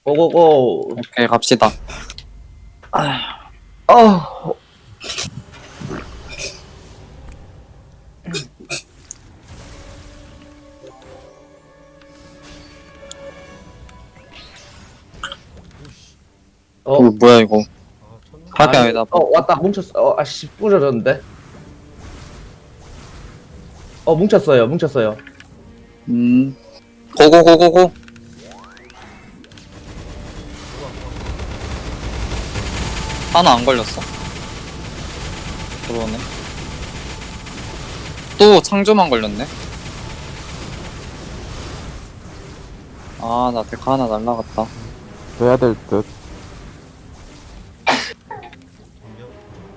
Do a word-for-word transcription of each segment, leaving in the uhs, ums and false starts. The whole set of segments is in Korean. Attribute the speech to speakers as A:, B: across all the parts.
A: 고고고.
B: 오케이 갑시다.
A: 아. 어,
B: 이거 뭐야 이거?
C: 아, 천둥.
B: 하게
A: 아니,
B: 아니다.
A: 어, 왔다. 뭉쳤어. 어, 아씨, 부러졌는데. 어, 뭉쳤어요. 뭉쳤어요.
B: 음. 고고고고고. 하나 안 걸렸어. 그러네. 또 창조만 걸렸네. 아, 나 데카 하나 날라갔다.
D: 해야 될 듯.
C: 전력.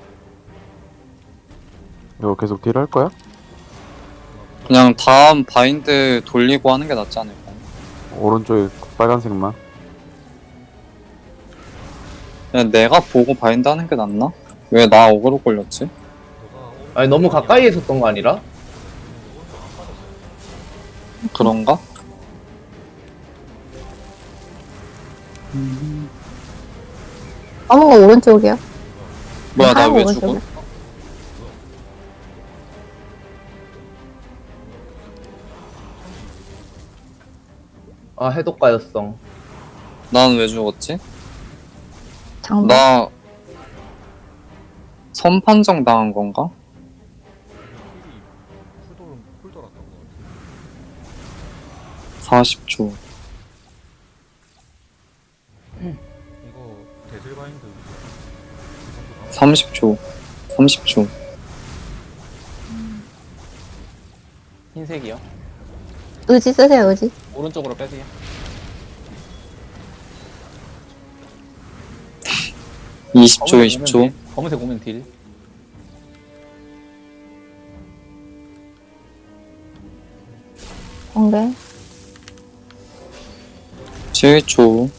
D: 이거 계속 딜 할 거야?
B: 그냥 다음 바인드 돌리고 하는 게 낫지 않을까?
D: 오른쪽에 빨간색만.
B: 그냥 내가 보고 바인드 하는 게 낫나? 왜 나 어그로 걸렸지?
C: 너가 오른쪽
A: 아니, 너무 가까이 있었던 거 아니라?
C: 오른쪽 안 빠졌어.
B: 그런가?
E: 검은 거 오른쪽이야.
B: 뭐야, 나
E: 하얀
B: 왜
E: 거
B: 죽어?
E: 오른쪽이야.
A: 아, 해독가였어.
B: 난 왜 죽었지?
E: 장비.
B: 나 선판정 당한 건가?
C: 힐이 풀돌 풀돌았던 거 같아.
B: 사십 초.
C: 이거 데슬바인드 그 정도 나와.
B: 삼십 초. 삼십 초.
F: 흰색이요.
E: 의지 쓰세요, 의지.
F: 오른쪽으로 빼세요.
B: 이십 초,
F: 검은색
B: 이십
F: 오면
B: 초.
F: 딜. 검은색 오면 딜.
E: 번개.
B: 칠 초.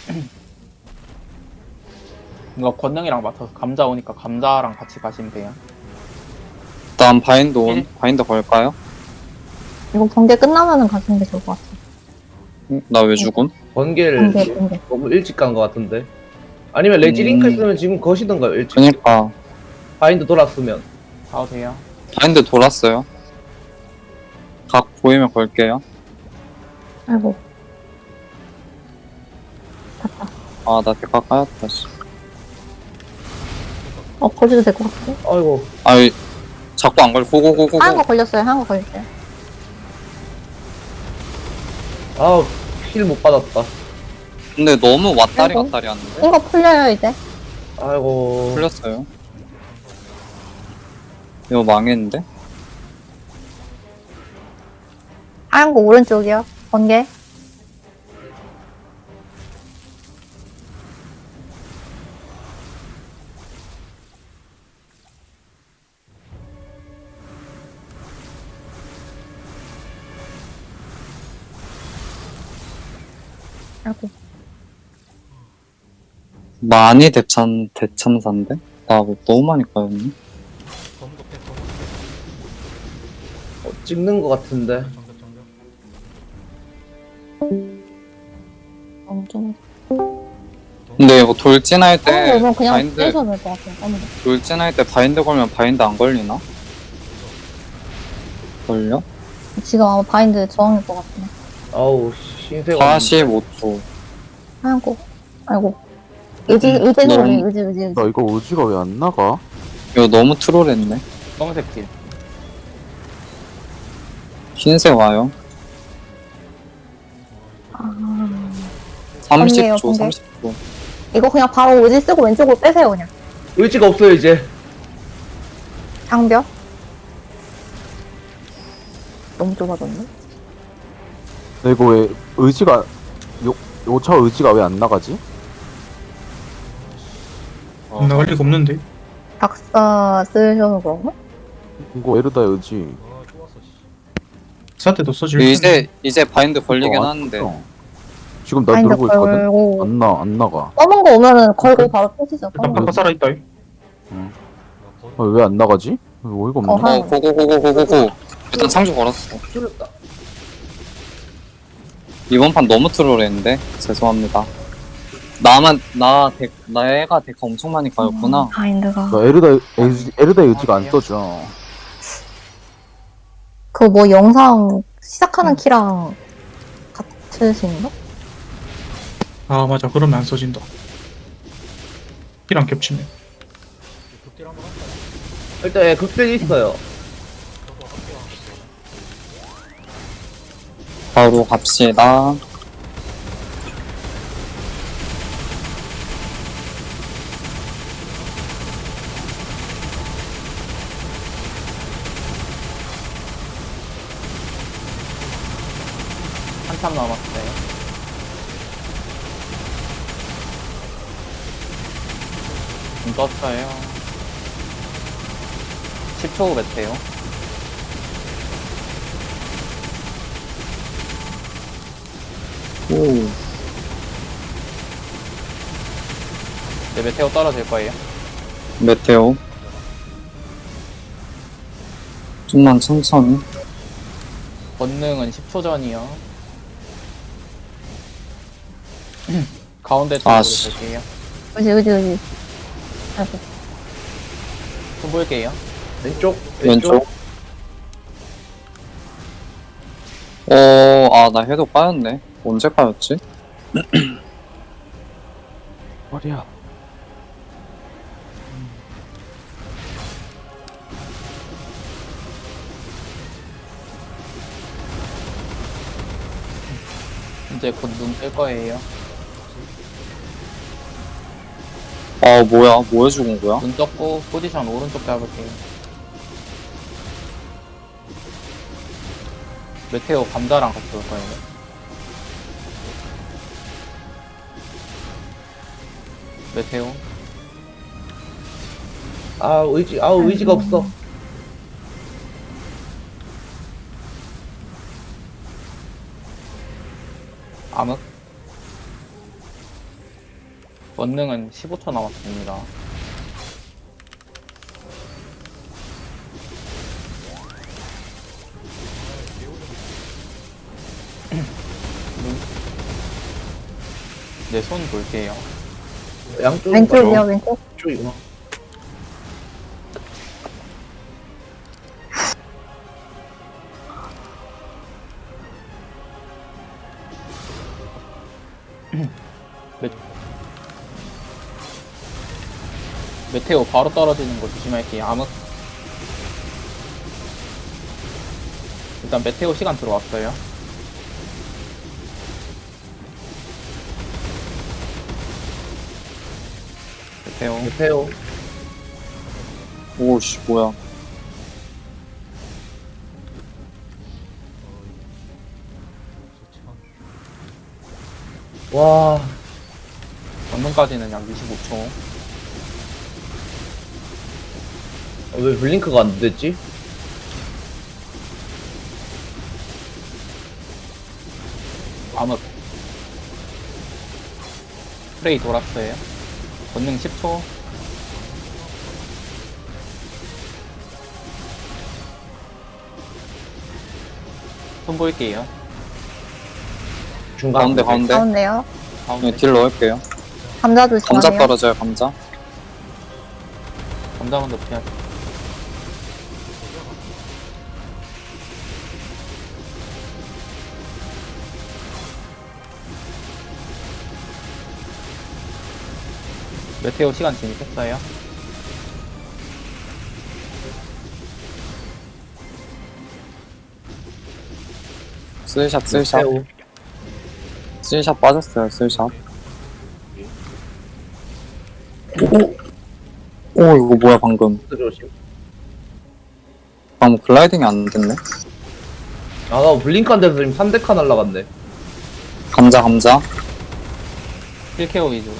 F: 이거 권능이랑 맡아서 감자 오니까 감자랑 같이 가시면 돼요.
B: 다음 바인드 온.
F: 일.
B: 바인드 걸까요?
E: 이거 번개 끝나면은 가시는 게 좋을 것 같아.
B: 나 왜 죽음?
A: 번개를
E: 번개, 번개.
A: 너무 일찍 간 거 같은데. 아니면 레지링크
B: 음.
A: 했으면 지금 거시던가요, 일찍.
B: 그니까
A: 바인드 돌았으면.
F: 가도 돼요.
B: 바인드 돌았어요. 각 보이면 걸게요.
E: 아이고. 갔다.
B: 아, 나 데카 까였다. 씨.
E: 어, 거지도 될 것 같아.
A: 아이고.
B: 아이, 자꾸 안 걸. 고고고고고.
E: 하얀 거 걸렸어요, 하얀 거 걸렸어요.
A: 아우, 힐 못 받았다.
B: 근데 너무 왔다리
E: 아이고.
B: 갔다리 하는데?
E: 이거 풀려요, 이제.
A: 아이고.
B: 풀렸어요. 이거 망했는데?
E: 하얀 거 오른쪽이요. 번개. 아이고.
B: 많이 대참, 대참사인데? 나 뭐 너무 많이 까였네?
C: 검은 거 빼, 검은 거
A: 어, 찍는 거 같은데.
C: 빼. 정답 정답.
E: 엄청.
B: 근데 이거 돌진할
E: 검은 거
B: 때
E: 오면 그냥
B: 바인드,
E: 빼셔도 될 것 같아요, 검은 거.
B: 돌진할 때 바인드 걸면 바인드 안 걸리나? 걸려?
E: 지금 아마 바인드 저항일 것 같네.
A: 아우, 흰색.
B: 사십오 초.
E: 하얀 거. 아이고. 의지, 의지
B: 너무-
E: 소리, 의지, 의지, 의지.
D: 나 이거 우지가 왜 안 나가?
B: 이거 너무 트롤했네.
F: 검은색 딜.
B: 흰색 와요.
E: 아.
B: 삼십 초,
E: 번개요, 번개.
B: 삼십 초.
E: 이거 그냥 바로 의지 쓰고 왼쪽으로 빼세요, 그냥.
A: 의지가 없어요, 이제.
E: 장벽. 너무 좁아졌네.
D: 나 이거 왜 의지가 요 요차 의지가 왜 안 나가지?
C: 어,
G: 나갈 리가 없는데.
E: 박사 쓰셔서 그런가?
D: 이거 에르다 의지.
C: 아 좋았어. 씨.
G: 사태도 써줄
B: 이제, 이제 바인드 걸리긴
D: 이거 안
B: 하는데.
D: 써. 지금 나
E: 바인드
D: 누르고 있거든.
E: 걸고.
D: 안 나, 안 나가.
E: 검은 거 오면은 걸고 바로 펴지죠. 검은 거.
G: 아까 살아있다.
C: 나 버-
D: 왜 안 나가지? 어이가 없네.
E: 어,
B: 어, 고고고고고고고. 일단 창조 걸었어.
A: 줄였다.
B: 이번 판 너무 트롤했는데? 죄송합니다. 나만 나 덱, 내가 데카 엄청 많이 까였구나.
E: 바인드가.
D: 너 에르다 의지, 에르다 의지가 안 써져.
E: 그 뭐 영상 시작하는 키랑 같으신가?
G: 아 맞아 그러면 안 써진다. 이랑 겹치네.
C: 극딜 한번 할까요?
A: 일단 예, 극딜 있어요.
C: 저도 할게요.
B: 바로 갑시다.
F: 한참 남았어요. 좀 떴어요. 십 초 후 메테오.
B: 오.
F: 이제 메테오 떨어질 거예요.
B: 메테오. 좀만 천천히.
F: 권능은 십 초 전이요. 가운데
B: 아,
F: 쪽으로
B: 씨.
F: 볼게요.
E: 의지, 의지, 의지. 아이고.
F: 손 볼게요.
A: 왼쪽,
B: 왼쪽. 어, 아, 나 해도 까였네. 언제 까였지?
D: 머리야.
F: 이제 곧 눈 뜰 거예요.
B: 아, 뭐야. 뭐 해주는 거야?
F: 눈 떴고 포지션 오른쪽 잡을게요. 메테오 감자랑 같이 올 거예요. 메테오.
A: 아, 의지, 아, 의지가 없어.
F: 암흑. 원능은 십오 초 남았습니다. 네, 손 볼게요.
A: 양쪽.
E: 왼쪽이요, 왼쪽.
A: 쪽이구나.
F: 메테오 바로 떨어지는 거 조심할게요. 암흑. 일단 메테오 시간 들어왔어요. 메테오.
A: 메테오.
B: 오씨, 뭐야.
A: 와,
F: 전문까지는 약 이십오 초.
A: 아, 왜 블링크가 안 됐지?
F: 암흑. 프레이 돌았어요. 권능 십 초. 손 볼게요.
A: 중간.
B: 가운데, 가운데.
E: 가운데요.
F: 가운데.
B: 네, 딜 넣을게요.
E: 감자
B: 감자
E: 조심하세요.
B: 떨어져요, 감자.
F: 감자 먼저 피하. 메테오 시간 진입했어요.
B: 쓸샷, 쓸샷.
A: 메테오.
B: 쓸샷 빠졌어요, 쓸샷. 오, 오, 이거 뭐야, 방금.
A: 조심.
B: 방금 글라이딩이 안 됐네.
A: 아, 나 블링크 안 돼서 지금 삼 대 칸 날라갔네.
B: 감자, 감자.
F: 일 케어 위주.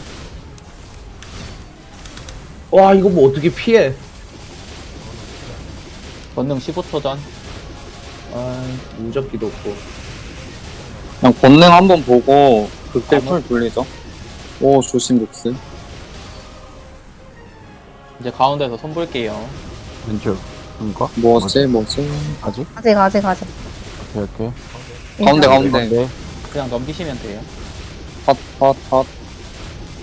A: 와, 이거 뭐 어떻게 피해?
F: 권능 십오 초 전.
A: 아, 무적기도 없고.
B: 그냥 본능 한번 보고 극딜
F: 아무-
B: 풀 돌리죠. 오, 조심 룩스.
F: 이제 가운데서 손 볼게요.
D: 왼쪽. 뭔가?
B: 뭐지, 뭐지?
D: 아직?
E: 아직, 아직, 아직.
D: 오케이 오케이.
B: 가운데,
E: 인사.
B: 가운데.
D: 네.
F: 그냥 넘기시면 돼요.
B: 핫, 핫, 핫.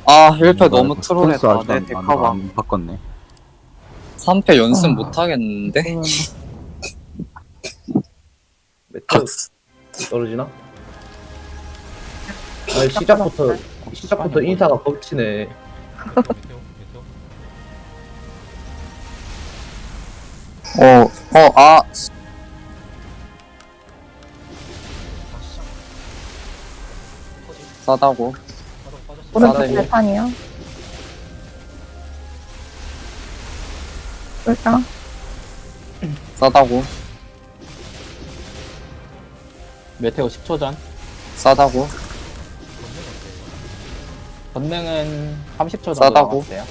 B: 아 일 패
D: 아,
B: 너무
D: 스탠스
B: 트롤했다.
D: 아직
B: 내
D: 안- 안-
B: 데카가
D: 안 바꿨네.
B: 삼 패 연습
E: 아.
B: 못하겠는데?
A: 메테오 떨어지나? 아니 시작부터 시작부터 인사가 겹치네.
C: 메테오 메테오
B: 어, 어, 아,
C: 아 시작 터지
B: 싸다고.
C: 빠져 빠졌어
E: 오른쪽
B: 싸다고.
E: 발판이요. 불사.
B: 싸다고.
F: 메테오 십 초 전.
B: 싸다고.
F: 권능은 삼십 초 정도
B: 싸다고.
F: 남았어요.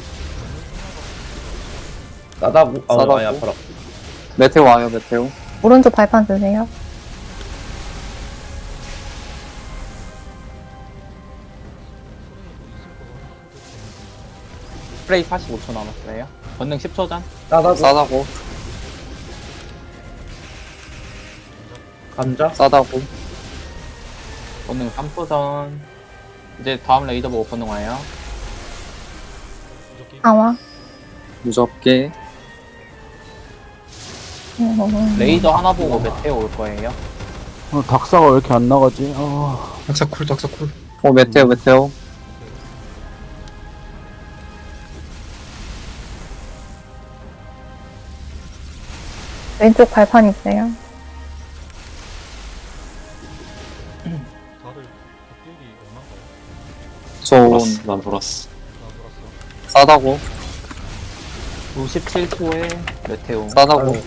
A: 싸다고. 아
B: 싸다고.
A: 아니 아파라.
B: 메테오 와요, 메테오.
E: 오른쪽 발판 쓰세요.
F: 프레이 사십오 초 남았어요. 권능 십 초 전.
A: 싸다고.
B: 싸다고.
A: 감자.
B: 싸다고.
F: 권능 삼 초 전. 이제 다음 레이더 보고 권능 와요.
C: 무적기
E: 강화.
B: 무섭게.
E: 음,
F: 레이더 하나 보고 메테오 올 거예요.
D: 어, 닥사가 왜 이렇게 안 나가지? 아,
G: 낙사쿨 낙사쿨.
B: 어, 메테오, 메테오.
E: 왼쪽 발판 있어요.
C: 다들 극딜이 얼마인가요?
B: 저, 난 돌았어.
C: 나 돌았어
B: 싸다고.
F: 구십칠 초에 메테오.
B: 싸다고.
A: 아유.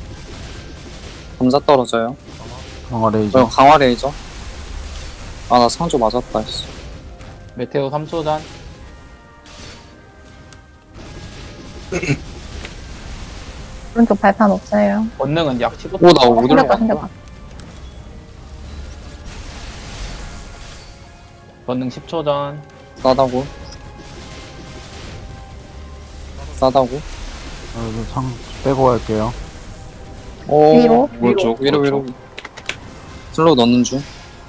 B: 감자 떨어져요.
D: 강화
B: 저
D: 레이저.
B: 강화 레이저. 아, 나 상조 맞았다, 씨.
F: 메테오 삼 초 전.
E: 오른쪽 발판 없어요.
F: 권능은 약 십오 초.
B: 오, 나
E: 어,
B: 어디로
E: 생겼다,
B: 갔어?
E: 생겼다.
F: 권능 십 초 전.
B: 싸다고. 싸다고.
D: 아, 이거 창 빼고 갈게요.
B: 오,
E: 위로?
B: 위로, 위로, 위로. 슬로우 넣는 중.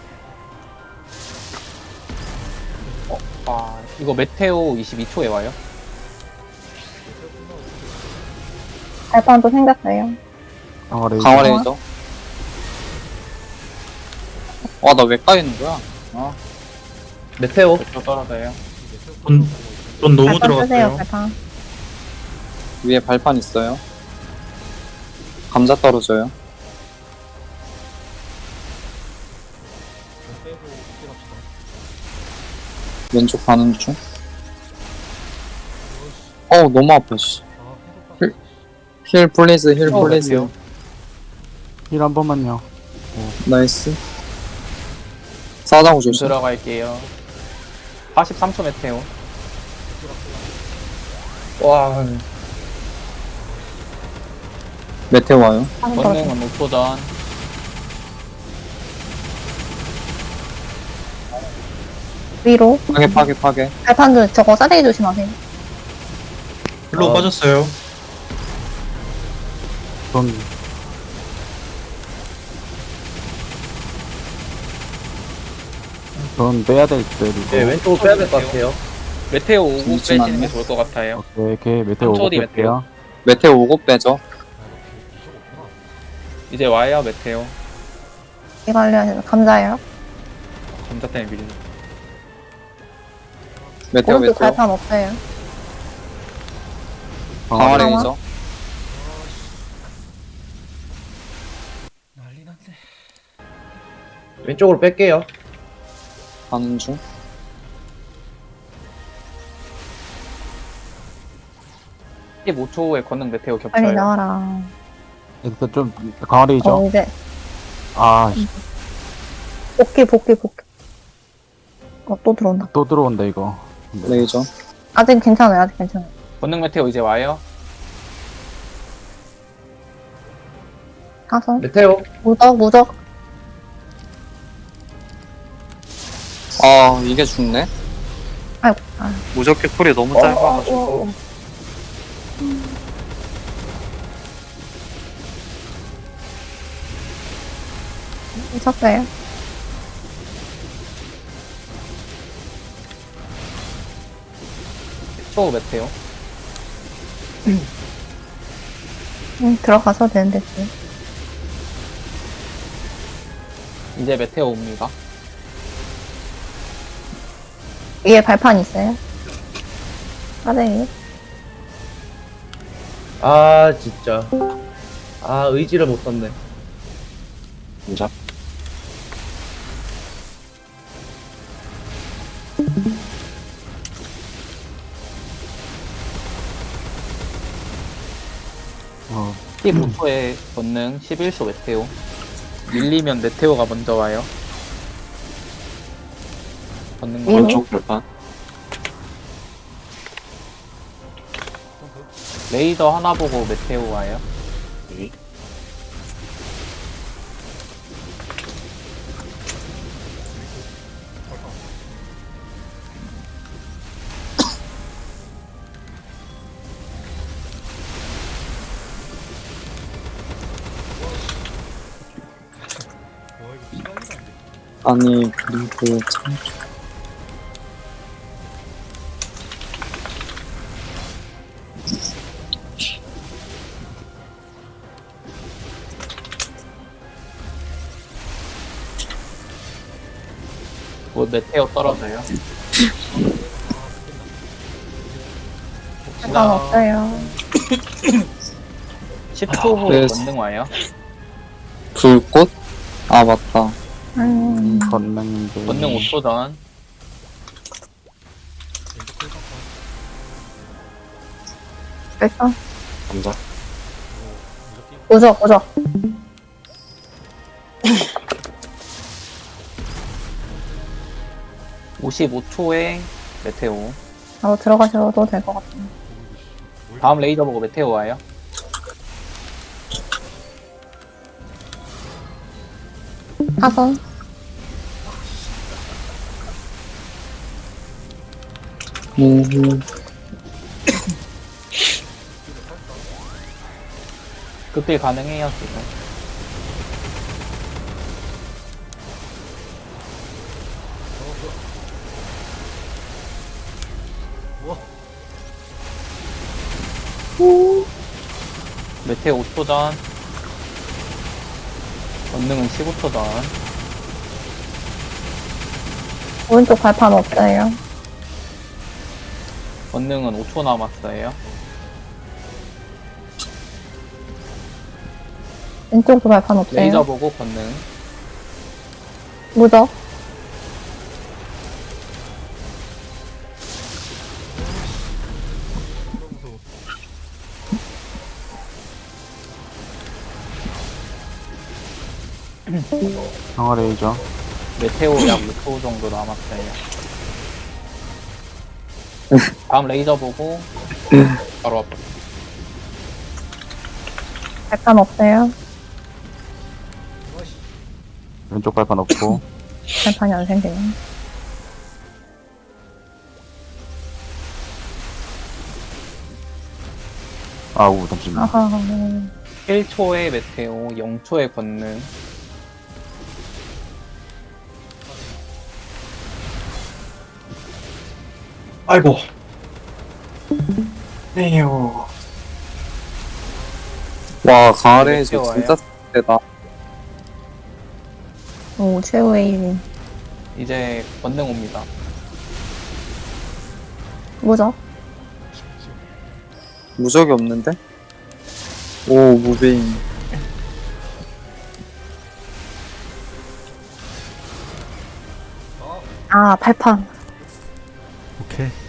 F: 아, 이거 메테오 이십이 초에 와요.
E: 발판도 생겼어요.
D: 강화 레이저.
B: 강화 레이저. 와, 나 왜 까이는 거야? 아,
A: 메테오.
F: 메테오 떨어져요.
G: 돈, 돈 너무
E: 발판 쓰세요,
G: 들어갔어요.
E: 발판.
B: 위에 발판 있어요. 감자 떨어져요.
C: 돈 빼고 극딜합시다
B: 왼쪽 가는 중. 어우, 너무 아파, 씨.
C: 아 해도 빠졌어
B: 힐 플리즈, 힐
F: 어,
B: 플리즈.
F: 메테오.
D: 힐 한 번만요.
B: 나이스. 싸다고 조심.
F: 들어갈게요. 사십삼 초 메테오.
A: 와.
B: 메테오 와요.
E: 한 번.
F: 권능은 오 초 전.
E: 위로.
B: 파괴, 파괴, 파괴.
E: 발판도 저거 싸대기 조심하세요.
G: 글로
A: 어.
G: 빠졌어요.
D: 전 전 빼야 될 때, 이거.
A: 네 왼쪽으로 빼야 될 것 같아요.
F: 메테오 오고
B: 잠시만요.
F: 빼시는 게 좋을 것 같아요.
D: 오케이, 오케이. 메테오
F: 삼 초
D: 오고
F: 뒤
D: 뺄게요.
B: 메테오 오고 빼죠.
C: 아 이거 비- 비속 없구나
F: 이제 와요, 메테오.
E: 이거 알려주세요. 감자예요.
F: 감자 때문에 밀리네.
B: 메테오,
E: 오른쪽
B: 메테오.
E: 발판 없어요.
B: 강화
D: 강화
E: 레이저.
B: 레이저.
C: 난리 났네
A: 왼쪽으로 뺄게요.
B: 가는 중.
F: 십오 초에 권능 메테오
E: 빨리
F: 겹쳐요.
E: 나와라.
D: 일단 좀, 강화 레이저.
E: 어, 이제.
D: 아, 씨,
E: 복귀, 복귀, 복귀. 어, 또 들어온다.
D: 또 들어온다, 이거. 근데
B: 레이저.
E: 아직 괜찮아요, 아직 괜찮아요.
F: 권능 메테오 이제 와요.
E: 가서.
A: 메테오.
E: 무적, 무적.
B: 아, 이게 죽네?
E: 아이고, 아.
B: 무적기 쿨이 너무
A: 어,
B: 짧아가지고.
A: 어, 어.
E: 미쳤어요.
F: 초 메테오.
E: 응, 들어가서 되는데, 지금.
F: 이제 메테오 옵니다.
E: 위에 발판 있어요? 아래.
A: 아 진짜. 아 의지를 못 썼네.
B: 진짜.
D: 어,
F: 십오 초에 권능, 십일 초 메테오. 밀리면 메테오가 먼저 와요. 권능
E: 음.
B: 왼쪽 발판.
F: 레이더 하나 보고 메테오 와요.
C: 와 이거 시간이 안 돼.
B: 아니 그리고 참.
F: 곧 메테오 떨어져요.
E: 발판 없어요.
F: 십 초 후
B: 네.
F: 권능 와요.
B: 불꽃? 아 맞다.
E: 음,
D: 건능인데.
F: 권능 오 초 전.
C: 왼쪽 꿀 상판.
E: 발판.
B: 감자.
C: 이거 무적
E: 무적, 무적.
F: 오십오 초에 메테오.
E: 하고 들어가셔도 될 것 같아요.
F: 다음 레이더 보고 메테오 와요.
E: 사선.
B: 음,
F: 극딜 가능해요 지금. 메테오 오 초 전. 권능은 십오 초 전.
E: 오른쪽 발판 없어요.
F: 권능은 오 초 남았어요.
E: 왼쪽도 발판 없어요.
F: 레이저 보고 권능.
E: 무적.
D: 강화 레이저.
F: 메테오 약 오 초 정도 남았어요. 다음 레이저 보고 바로 앞으로.
E: 발판 없어요.
D: 왼쪽 발판 없고.
E: 발판이 안 생기네.
D: 아우, 잠시만.
E: 아하.
F: 일 초에 메테오, 영 초에 권능.
G: 아이고. 네요.
B: 와 강아레이저
F: 메테오
B: 진짜 세다.
E: 오, 최후의 일인.
F: 이제 권능 옵니다.
E: 무적.
B: 무적이 없는데? 오 무빙.
E: 아, 발판.
C: 오케이.